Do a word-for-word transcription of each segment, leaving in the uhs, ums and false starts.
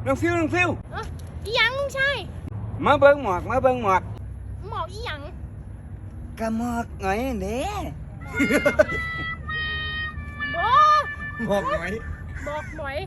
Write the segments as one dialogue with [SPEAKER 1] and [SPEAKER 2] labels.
[SPEAKER 1] น้องฟิวน้องฟิว
[SPEAKER 2] เอ้ออีหยังลุงชาย
[SPEAKER 1] มาเบิ้งหมอกมาเบิ้งหมอก
[SPEAKER 2] หมอกอีหยัง
[SPEAKER 1] กระหมอกหน่อยเด้
[SPEAKER 2] โอ้
[SPEAKER 1] หมอกหน่อย
[SPEAKER 2] บอกหมอย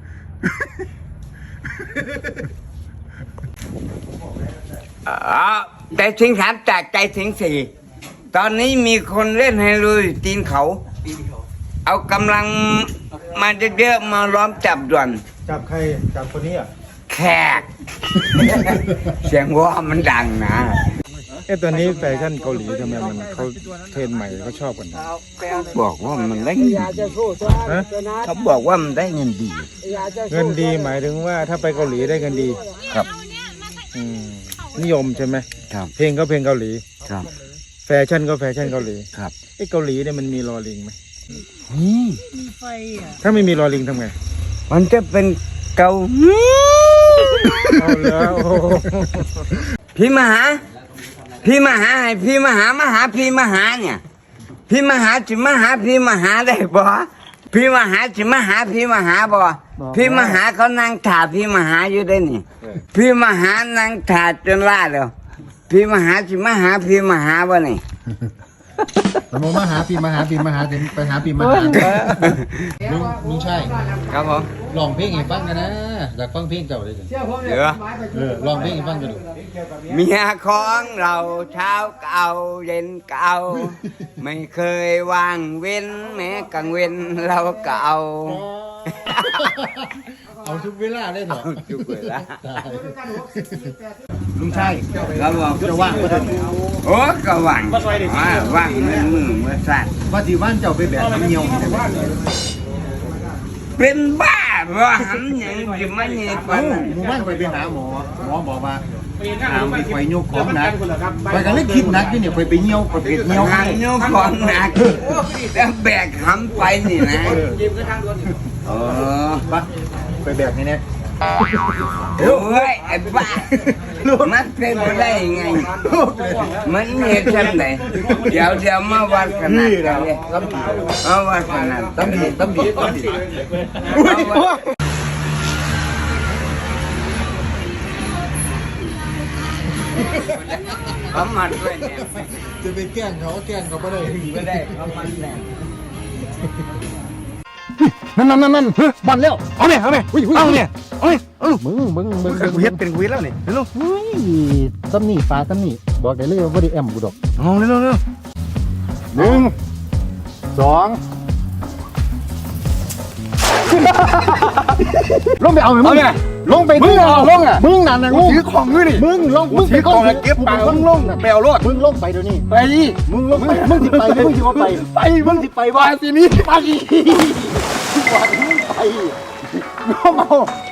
[SPEAKER 1] อ่าใจถึงสามจากใจถึงสี่ตอนนี้มีคนเล่นไฮโลอยู่ตีนเขา เอากำลังมาเยอะๆมาล้อมจับด่วน
[SPEAKER 3] จับใครจับคนนี้อ่ะ
[SPEAKER 1] แขก เสียงว่ามันดังนะ
[SPEAKER 3] เอ๊ะตอนนี้แฟชั่นเกาหลีทำไมมันเขาเทรนด์ใหม่เขาชอบกันนะ
[SPEAKER 1] บอกว่ามันได้เงินดี
[SPEAKER 3] ฮะ
[SPEAKER 1] เขาบอกว่ามันได้เงินดี
[SPEAKER 3] เงินดีหมายถึงว่าถ้าไปเกาหลีได้เงินดี
[SPEAKER 1] ครับ
[SPEAKER 3] อืมนิยมใช่ไหม
[SPEAKER 1] ครับ
[SPEAKER 3] เพลงก็เพลงเกาหลี
[SPEAKER 1] ครับ
[SPEAKER 3] แฟชั่นก็แฟชั่นเกาหลี
[SPEAKER 1] ครับ
[SPEAKER 3] ไอ้เกาหลีเนี่ยมันมีลอลิงไหม
[SPEAKER 1] นี่
[SPEAKER 3] ถ้าไม่มีลอลิงทำไง
[SPEAKER 1] มันจะเป็นเกา
[SPEAKER 3] เอาแล้วโอ้โห
[SPEAKER 1] พี่มหา พี่มหาให้พี่มหามาหาพี่มหาเนี่ย พี่มหาจะมาหาพี่มหาได้บ่พี่มหาจะมาหาพี่มหาบ่พี่มหาเขานั่งถ่าพี่มหาอยู่ได้นี่ พี่มหานั่งถ่าจนล่าแล้วพี่มหาจะมาหาพี่มหาบ่นี่
[SPEAKER 4] ผมมาหาปีมาหาปีมาหาถึงไปหาปีมาหาลุงลุงใช่
[SPEAKER 1] ครับผม
[SPEAKER 4] ลองเพลงให้ฟังกันนะอยากฟังเพลงเจ้าเลย
[SPEAKER 1] เดี๋ยว
[SPEAKER 4] เออลองเพลงให้ฟังกันดู
[SPEAKER 1] เมียของเราเช้าเก่าเย็นเก่าไม่เคยว่างเว้นแม้กลางเว้นเราเก่า
[SPEAKER 4] เอาทุกเวลาได้เหรอ
[SPEAKER 1] จุกเลยละ
[SPEAKER 4] ลุงใช่
[SPEAKER 1] ครับผม
[SPEAKER 4] จะว่างก็ได้
[SPEAKER 1] โอ้ก็ว่างอ่าว่างมือมือมือสั่น
[SPEAKER 4] ว่าที่บ้านเจ้าไปแบบน้ำเงี้ยว
[SPEAKER 1] เป็นบ้าว่าหันยังจะไม่เงี้ยปานนั้น
[SPEAKER 4] หมู่บ้านไปไปหาหมอหมอบอกว่าหามไปไฟโยกของหนักไปกันเลยคิดหนักที่เนี่ยไปไปเงี้ยวไปไปเงี้ยว
[SPEAKER 1] งานโยกของหนักแล้วแบกหำไปนี่นะเออ
[SPEAKER 4] ปะไปแบบนี้เนี่ย
[SPEAKER 1] โอ้ยไอ้บ้ามันเป็นไปได้ยังไง มันเหตุฉันไหนเดี๋ยวเดี๋ยวมาวัดขนาดกันเลยมาวัดขนาด
[SPEAKER 4] ตั้มดีตั้มดีตั้มดี
[SPEAKER 1] เขามาด้วยเนี่ย
[SPEAKER 4] จะไปแกล้งเขาแกล้งเขาไม่ได้
[SPEAKER 1] ไม่ได้เขามาแน่
[SPEAKER 4] นั่นนั่นนั่นนั่นเฮ้ยบอลแล้ว
[SPEAKER 3] เอาเนี่ยเอาเนี่ยเอาเนี่ยเอาเนี่ยเอา
[SPEAKER 4] มึงมึงมึง
[SPEAKER 3] กูเฮ็ดเป็นกูเฮ็ดแล้วนี่เร็ว
[SPEAKER 4] เฮ้ยตั้มนี่ฟ้าตั้มนี่บอกได้เลยว่าไม่ได้แอมกูดอก
[SPEAKER 3] เอาเร็วเร็ว
[SPEAKER 4] หนึ่งสองลงไปเอาไหมมึงลงไปมึงเอาลงอ่ะมึงนั่นนะงู
[SPEAKER 3] ถือของด้วยนี่
[SPEAKER 4] มึงลงมึง
[SPEAKER 3] ถือของแล้วเก็บปากมึงลงแปลวรถ
[SPEAKER 4] มึงลงไปเดี๋ยวนี้
[SPEAKER 3] ไป
[SPEAKER 4] มึงลงไปมึงสิไปมึงสิว่าไป
[SPEAKER 3] ไปมึงสิไปบ้านสินี้
[SPEAKER 4] ไปว่ามึงไปน้องเอา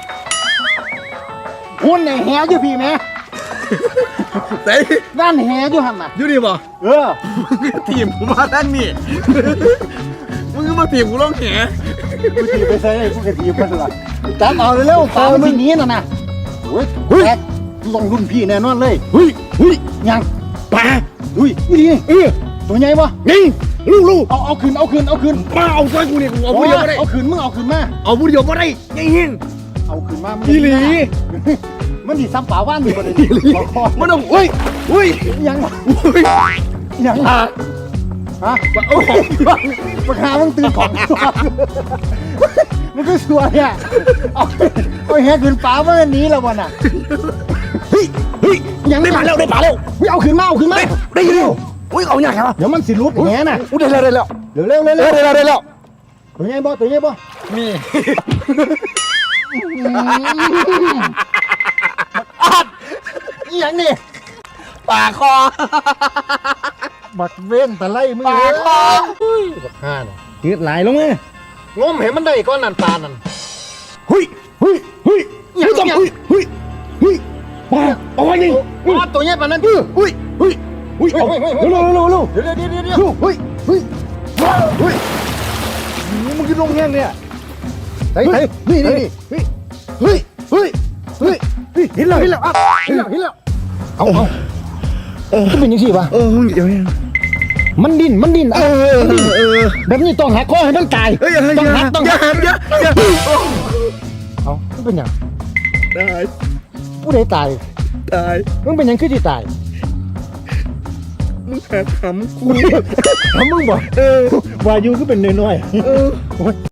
[SPEAKER 4] หุ่นในแหอยู่พี่แม่
[SPEAKER 3] เต้
[SPEAKER 4] นั่นแหอยู่หันน่ะ
[SPEAKER 3] อยู่นี่บ่
[SPEAKER 4] เออ
[SPEAKER 3] ทีมกูมาด้านนี่มึงก็มาทีมกูร้องแห
[SPEAKER 4] กูตีไปใส่กูกระตีมันละจับเอาเร็วๆปลามันหนีน่ะนะโอ้ยแตกลงรุ่นพี่แน่นอนเลยเฮ้ยเฮ้ยยังปลาเฮ้ยนี่เออตัวใหญ่ปะนี่ลูกลูกเอาเอาคืนเอาคืนเอาคืน
[SPEAKER 3] มาเอาซอยกูนี่กูเอาผู้เดียวไม่ได้
[SPEAKER 4] เอาคืนมึงเอาคืนมา
[SPEAKER 3] เอาผู้เดียวไม่ได้ยังยิง
[SPEAKER 4] เอาคืนมา
[SPEAKER 3] อีหลี
[SPEAKER 4] มันดีซ้ำป่าว่านดีกว่าเลย
[SPEAKER 3] มันต้องอุ้ยอุ้ย
[SPEAKER 4] ยัง
[SPEAKER 3] อุ้ย
[SPEAKER 4] ยังฮะฮะโอ้โหปากกามึงตื่นของมันก็สวยอ่ะเอาเอาแหคืนป่ามันหนีแล้ววันน่ะเฮ้ยเฮ้ยยัง
[SPEAKER 3] ได้ปลาแล้วได้ปลาแล้ว
[SPEAKER 4] เฮ้ยเอาคืนมาเอาคืนมา
[SPEAKER 3] ได้ยินอุ้ยเอาอย่างไรวะ
[SPEAKER 4] เดี๋ยวมันสิรุดแหน่ะ
[SPEAKER 3] อุ้ยได้แล้วได้แล้ว
[SPEAKER 4] เร็วเร็วเร็ว
[SPEAKER 3] ได้
[SPEAKER 4] เร็ว
[SPEAKER 3] แล้วได้แล้ว
[SPEAKER 4] ตัวใหญ่บ่ตัวใหญ่บ่
[SPEAKER 3] มี
[SPEAKER 4] อีหยังนี่
[SPEAKER 3] ปลาคอ
[SPEAKER 4] บักเว้นตะไลมึง
[SPEAKER 3] ปลาคอ
[SPEAKER 4] บักห่าน่ะยืดไหลลงเลยงมเห็นมันได้ก้อนนั่นปลานั่น
[SPEAKER 3] เฮ้ยเฮ้ยเฮ้ยเฮ้ยเฮ้ยเฮ้ยเฮ้ยปลาเอาไว้นี่
[SPEAKER 4] อ๋อตัวใหญ่ปลานั้น
[SPEAKER 3] เฮ้ยเฮ้ยเฮ้ยเฮ้ยเอาเร็วเร็วเร็วเร็ว
[SPEAKER 4] เดี๋ยวเดี๋ยวเดี๋ยวเดี๋ยว
[SPEAKER 3] เฮ้ยเฮ้ยเฮ้ยมึงกินลงแห้งเนี่ย
[SPEAKER 4] เฮ้ยนี่นี่นี่
[SPEAKER 3] เฮ้ยเฮ้ยเฮ้ยเฮ้ยเห็นแล้วเห็นแล้วอ่ะ
[SPEAKER 4] เห็นแล้วเห็นแล้ว
[SPEAKER 3] เอาเอาเออ
[SPEAKER 4] จะเป็นยังไงวะ
[SPEAKER 3] เออมึงเดี๋ยวนี้
[SPEAKER 4] มันดิ้นมันดิ้น
[SPEAKER 3] เออเออ
[SPEAKER 4] แบบนี้ต้องหักคอให้มันตาย
[SPEAKER 3] เฮ้ยอย่า
[SPEAKER 4] ต้องหักต้อง
[SPEAKER 3] อย่า
[SPEAKER 4] หัก
[SPEAKER 3] อย่าอย่า
[SPEAKER 4] เอาเป็นยัง
[SPEAKER 3] ตาย
[SPEAKER 4] ผู้ใดตาย
[SPEAKER 3] ตาย
[SPEAKER 4] มึงเป็นหยังคือที่ตาย
[SPEAKER 3] มึงหาทำกู
[SPEAKER 4] ทำมึงบอก
[SPEAKER 3] เออ
[SPEAKER 4] วายุคือเป็นน้อยๆ
[SPEAKER 3] เออ